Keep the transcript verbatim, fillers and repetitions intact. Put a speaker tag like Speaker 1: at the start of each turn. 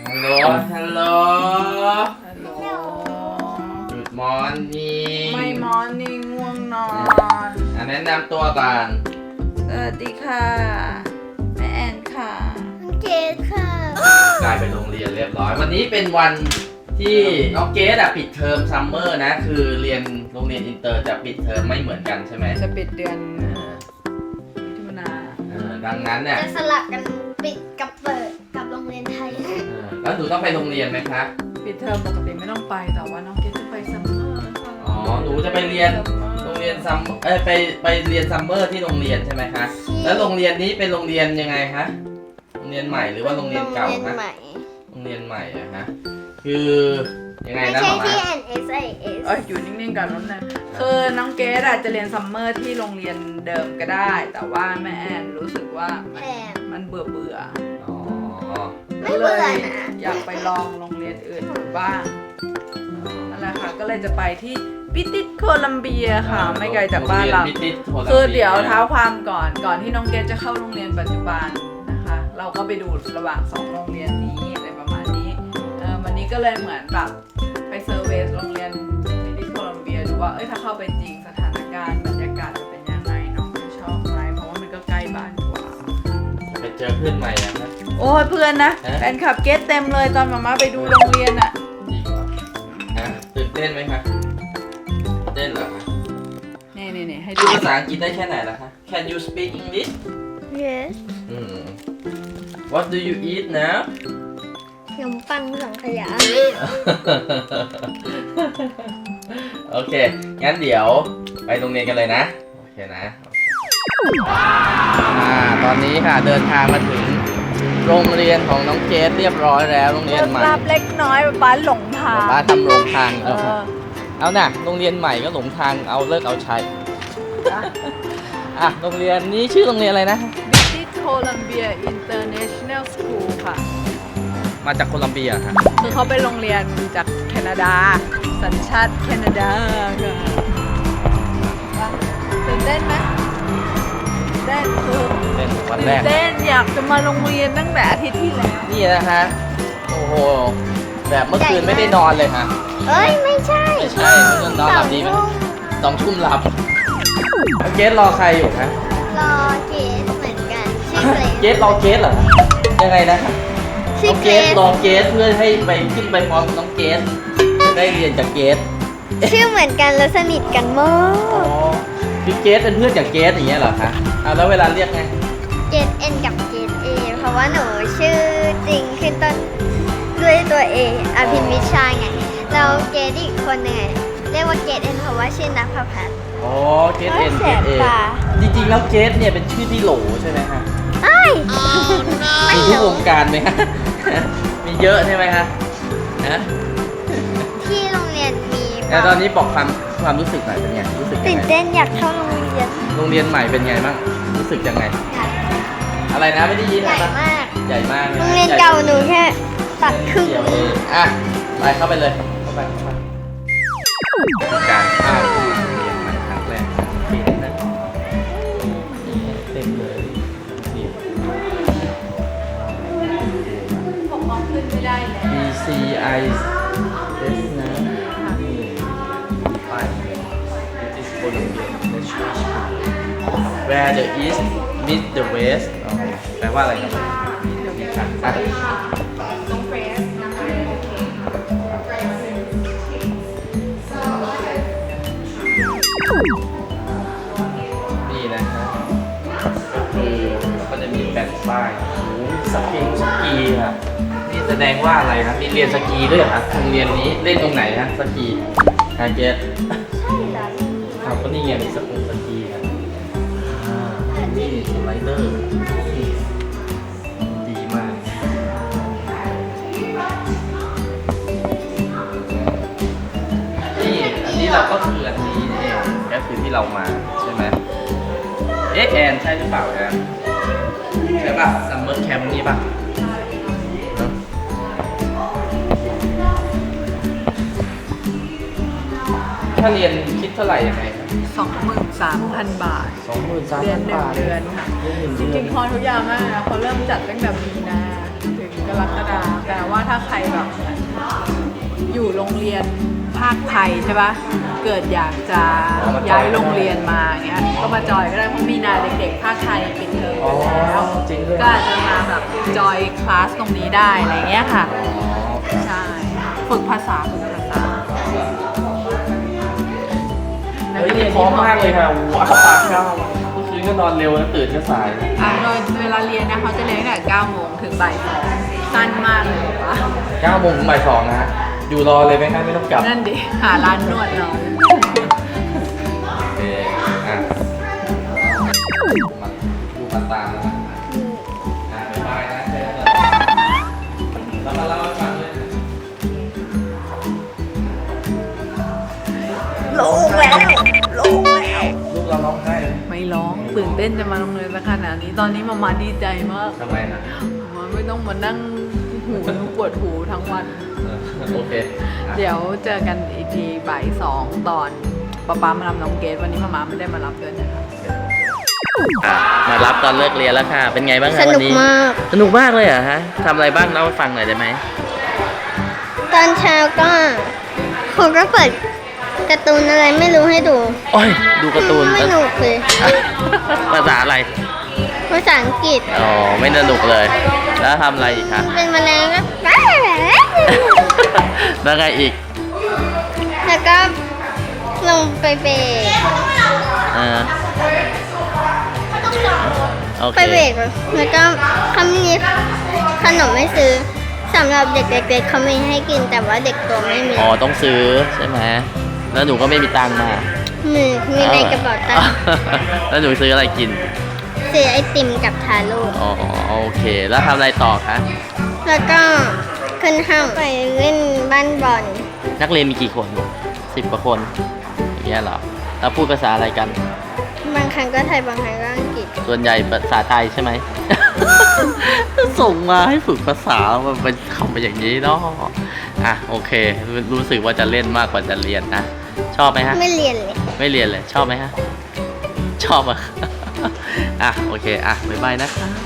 Speaker 1: ฮัลโหลฮัลโหล
Speaker 2: ฮัลโหล
Speaker 1: Good morning
Speaker 2: ไม่มอร์นิ่งง่วงนอน
Speaker 1: อ่ะแนะนำตัวก่อน
Speaker 2: สวัสดีค่ะแม่แอนค่ะ
Speaker 3: เกดค่ะ
Speaker 1: กลายเป็นโรงเรียนเรียบร้อย วันนี้เป็นวันที่น้องเกดอะปิดเทอมซัมเมอร์นะ คือเรียนโรงเรียนอินเตอร์จะปิดเทอมไม่เหมือนกันใช่ไหม
Speaker 2: จะปิดเดือนมิถุนา
Speaker 1: เออดังนั้นเนี่ย
Speaker 3: จะสลับกันปิดกับเปิดกับโรงเรียนไทย
Speaker 1: เออแล้วหนูต้องไปโรงเรียนไหมคะ
Speaker 2: ปิดเทอมปกติไม่ต้องไปแต่ว่าน้องเกดจะไปซัมเมอร์ค่ะ
Speaker 1: อ๋อหนูจะไปเรียนโรงเรียนซัมเอ้ยไปไปเรียนซัมเมอร์ที่โรงเรียนใช่ไหมคะ แล้วโรงเรียนนี้เป็นโรงเรียนยังไงคะโรงเรียนใหม่หรือว่าโรงเรียนเก่า
Speaker 3: โรงเรียน
Speaker 1: คะ
Speaker 3: ใหม่
Speaker 1: โรงเรียนใหม่อะฮะคือยังไง
Speaker 3: ไม่
Speaker 1: นะห
Speaker 3: ใช่
Speaker 1: มอ
Speaker 3: ที่
Speaker 1: มา
Speaker 3: เอ็น เอส ไอ เอส
Speaker 2: เอ้ยอยู่นิ่งๆก่อนน้องแนนคือน้องเกดอาจจะเรียนซัมเมอร์ที่โรงเรียนเดิมก็ได้ แต่ว่าแม่แอนรู้สึกว่า
Speaker 3: แพง
Speaker 2: มันเบื่อเบื่อ
Speaker 1: อ๋อ
Speaker 3: ไม่เบื่อนะ
Speaker 2: อยากไปลองโรงเรียนอื่นดูบ้างนั่นแหละค่ะก็เลยจะไปที่ปิติสโคลัมเบียค่ะ ไม่ไกลจากบ้านเรา
Speaker 1: โงยพิติสโลัมบี
Speaker 2: คือเดี๋ยวเท้าความก่อนก่อนที่น้องเกดจะเข้าโรงเรียนปัจจุบันนะคะ เราก็ไปดูระหว่างสองโรงเรียนนี้อะไรประมาณนี้เออวันนี้ก็เลยเหมือนแบบไปเซอร์เวสโรงเรียนปิติสโคลัมเบียดูว่าเอ้ยถ้าเข้าไปจริงสถานการณ์บรรยากาศจะเป็นยังไงน้องจะชอบไหมเพราะว่ามันก็ใกล้บ้านกว่า
Speaker 1: ไปเจอเพื่อนใหม่อะครับ
Speaker 2: โอ้ยเพื่อนนะ
Speaker 1: ฮะ
Speaker 2: แฟนคลับเกดเต็มเลยตอนมาม่าไปดูโรงเรียนอะ
Speaker 1: จริงเหรอฮะตื่นเต้นไหมคะเต้นเหรอคะ
Speaker 2: นี่นี่นี่ให้
Speaker 1: พู
Speaker 2: ดู
Speaker 1: ดภาษาอังกฤษได้แค่ไหนล่ะคะ Can you speak English
Speaker 3: yes
Speaker 1: อืม What do you eat now
Speaker 3: ขนมปังสังขยา
Speaker 1: โอเค งั้นเดี๋ยวไปโรงเรียนกันเลยนะ โอเคนะโอเคอ่า ตอนนี้ค่ะเดินทางมาถึงโรงเรียนของน้องเกดเรียบร้อยแล้ว โรงเรียนใหม่
Speaker 2: รับเล็กน้อยป้าหลงทาง
Speaker 1: ป้าทำโรงทาง
Speaker 2: เอ
Speaker 1: แล้ว
Speaker 2: อ
Speaker 1: เอาน่ะ โรงเรียนใหม่ก็หลงทาง เอาเลิกเอาใช้ อ่ะ โรงเรียนนี้ชื่อโรงเรียนอะไรนะ
Speaker 2: บิติสโคลัมเบียอินเตอร์เนชั่นแนลสคูลค่ะ
Speaker 1: มาจากโคลัมเบียค่ะ
Speaker 2: คือเขาเป็นโรงเรียนจากแคนาดา สัญชาติแคนาดาค่ะตื่นเต้นไหมเต้นคือ
Speaker 1: เป็นวัน
Speaker 2: ตื่
Speaker 1: แร
Speaker 2: น
Speaker 1: ก
Speaker 2: เต้นอยากจะมาโรงเรียนตั้งแต่อาทิตย์ที่แล้ว
Speaker 1: นี่นะฮะ โอ้โห แบบเมื่อคืนไม่ได้นอนเลยฮะ
Speaker 3: เอ้ย ไม่ใช่
Speaker 1: ไม่ใช่เมื่อคืนนอนหลับดีไหมสองทุ่มหลับแล้วเกสรอใครอยู่คะ
Speaker 3: รอเกดเหมือนกันชื่อเกรด
Speaker 1: เกสรอเกสเหรอ ยังไงนะน้
Speaker 3: ชื่อ
Speaker 1: อง
Speaker 3: เก
Speaker 1: เก
Speaker 3: ร
Speaker 1: ส
Speaker 3: ด
Speaker 1: รอเกสเพื่อให้ไปขึ้นไปพร้อมกับน้องเกสจะได้เรียนจากเกส
Speaker 3: ชื่อเหมือนกันแล้วสนิทกันมา
Speaker 1: อ๋อก คือเกสเป็นเพื่อนจากเกสอย่างเงี้ยเหรอคะอ่ะแล้วเวลาเรียกไง
Speaker 3: เกดเอ็นกับเกดเอเพราะว่าหนูชื่อจริงขึ้นต้นด้วยตัวเออภินวิชาไงแล้วเกดอีกคนหนึ่งเรียกว่าเกดเอ็นเพราะว่าชื่อนักพพัฒน์
Speaker 1: อ๋อ เกสเอ็น
Speaker 3: แส
Speaker 1: เกส
Speaker 3: บ
Speaker 1: เอ
Speaker 3: ตา
Speaker 1: จริงๆแล้วเกสเนี่ยเป็นชื่อที่โหลใช่ไหมคะ
Speaker 3: เอ้ย
Speaker 1: มีทุกวงการไหมคะ มีเยอะใช่ไหมคะนะ
Speaker 3: ที่โรงเรียนมี
Speaker 1: แล้วตอนนี้บอกความความรู้สึกหน่อยเป็นไง รู้สึกยั
Speaker 3: ตื่
Speaker 1: ง
Speaker 3: น
Speaker 1: ไง
Speaker 3: เต้นอยากเข้าโรงเรียน
Speaker 1: โรงเรียนใหม่เป็นไงบ้าง รู้สึกยังไง อะไรนะไม่ได้ยิน
Speaker 3: ใหญ่
Speaker 1: นะ
Speaker 3: มาก
Speaker 1: ใหญ่มาก
Speaker 3: โรงเรียนเก่าหนูแค่ตัดครึ่ง
Speaker 1: เดียวเองอ่ะ ไปเข้าไปเลย เข้าไปเข้าไปการเข้าโรงเรียนใหม่ครั้งแรกปีนี้นะเต็มเลยนี่
Speaker 2: ผมมองขึ้นไม่ได้แล้ว
Speaker 1: B C I S นะนี่ไป British Columbia National School Where the East meet the West อ๋อแปลว่าอะไรครับอ่ะ
Speaker 2: ต้องเฟสนะคะ
Speaker 1: นี่นะฮะก็คือก็จะมีแผ่นป้ายโอ้โหสกีสกีอ่ะนี่แสดงว่าอะไรครับมีเรียนสกีด้วยเหรอครับโรงเรียนนี้เล่นตรงไหนฮะสกีฮะเกสอ้าวก็นี่ไงมีสกุลสกีครับอ่านี่สไลเดอร์นี่ดีมากนี่อันนี้เราก็คืออันนี้นี่เองก็คือที่เรามาใช่ไหม เอ๊ะแอนใช่หรือเปล่าแอนใช่ป่ะซัมเมอร์แคมป์นี่ป่ะเนอะถ้าเรียนคิดเท่าไหร่ยังไงครับ
Speaker 2: สองหมื่นสามพันบาท
Speaker 1: สองหมื่นสาม
Speaker 2: เรีย
Speaker 1: พั
Speaker 2: น
Speaker 1: น
Speaker 2: หนึ่ง
Speaker 1: บาท
Speaker 2: เดือนค่ะ
Speaker 1: เรียนหนึ่ง
Speaker 2: จ
Speaker 1: เดือน
Speaker 2: ริงๆคอร์สทุกอย่างมากนะเขาเริ่มจัดตั้งแต่มีนาถึงกรกฎาคมแต่ว่าถ้าใครแบบอยู่โรงเรียนภาคไทยใช่ปะเกิดอยากจะย้ายโรงเรียนมาอย่างเงี้ยก็มาจอยก็ได้เพราะมีนาเด็กๆภาคไทยปิดเทอม
Speaker 1: อ๋อ
Speaker 2: ไปแล้ว
Speaker 1: จริงด้วย
Speaker 2: ก็อาจจะมาแบบจอยคลาสตรงนี้ได้อะไรเงี้ยค่ะ ใช่ ฝึกภาษาฝึกภาษา
Speaker 1: เฮ้ยนี่พร้อมมากเลยค่ะว้าวปากเก้าเมื่อคืนก็นอนเร็วนะตื่นก็สาย
Speaker 2: อ่าโดยเวลาเรียนนะเขาจะเรียนตั้งแต่เก้าโมงถึงบ่ายสองสั้นมากเลยปะ
Speaker 1: เก้าโมงถึงบ่ายสองนะฮะอยู่รอเลยไหมครับไม่ต้องกลับ
Speaker 2: นั่นดิ หาร้านนวดเรา
Speaker 1: โอเคอ่ะมาดูมาตามนะอ่ะบ๊ายบายนะเจอกันแล้วมาเล่าให้ฟังเลย
Speaker 2: ลงแล้วลงแล้ว
Speaker 1: ลูกเราร้องไห้เลย
Speaker 2: ไม่ร้องตื่นเต้นจะมาโรงเรียนสักขนาดนี้ตอนนี้มามาดีใจมาก
Speaker 1: ทำไมนะ
Speaker 2: มาไม่ต้องมานั่งหูปวดหูทั้งวัน
Speaker 1: เออโอเคอ่ะ
Speaker 2: เดี๋ยวเจอกันอีกทีบ่ายสองตอนป๊าป๊ามารับน้องเกดวันนี้มามาไม่ได้มารับด้วยนะคะ
Speaker 1: อ่ะมารับตอนเลิกเรียนแล้วค่ะ เป็นไงบ้าง
Speaker 3: ส
Speaker 1: คะวั
Speaker 3: นุ
Speaker 1: น
Speaker 3: ก
Speaker 1: นี้
Speaker 3: มาก
Speaker 1: สนุกมากเลยเหรอฮะทำอะไรบ้างเล่าให้ฟังหน่อยได้ไหม
Speaker 3: ตอนเช้าก็ครูก็เปิดการ์ตูนอะไรไม่รู้ให้ดู
Speaker 1: โอ้ยดูการ์ตูน
Speaker 3: ไม่สนุกเลย
Speaker 1: ภาษาอะไร
Speaker 3: ภาษาอังกฤษ
Speaker 1: อ๋อไม่สนุกเลย แล้วทำอะไรอีกคะ
Speaker 3: เป็นแมลงก็
Speaker 1: แล้วไงอีก
Speaker 3: แล้วก็ลงไปเบรก
Speaker 1: เออโอเค
Speaker 3: ไปเบรกแล้วก็เขามีขนมไม่ซื้อสำหรับเด็กเล็กๆเขามีให้กินแต่ว่าเด็กโตไม่มี
Speaker 1: อ๋อต้องซื้อใช่ไหมแล้วหนูก็ไม่มีตังค์มา
Speaker 3: มีมีในกระเป๋าตังค์
Speaker 1: แล้วหนูซื้ออะไรกิน
Speaker 3: ซื้อไอติมกับทาโร่
Speaker 1: อ๋อโอเค แล้วทำอะไรต่อคะ
Speaker 3: แล้วก็ขึ้นห้างไปเล่นบ้านบอล
Speaker 1: นักเรียนมีกี่คนสิบกว่าคนอย่างเงี้ยเหรอแล้วพูดภาษาอะไรกัน
Speaker 3: บางครั้งก็ไทยบางครั้งก็อังกฤษ
Speaker 1: ส่วนใหญ่ภาษาไทยใช่ไหม ส่งมาให้ฝึกภาษามันเป็นคำเป็นอย่างนี้เนาะอ่ะโอเค รู้สึกว่าจะเล่นมากกว่าจะเรียนนะ ชอบไหมฮะ
Speaker 3: ไม่เรียนเลย
Speaker 1: ไม่เรียนเลย ชอบไหมฮะ ชอบอ่ะ อ่ะโอเค อ่ะบ๊ายบายนะคะ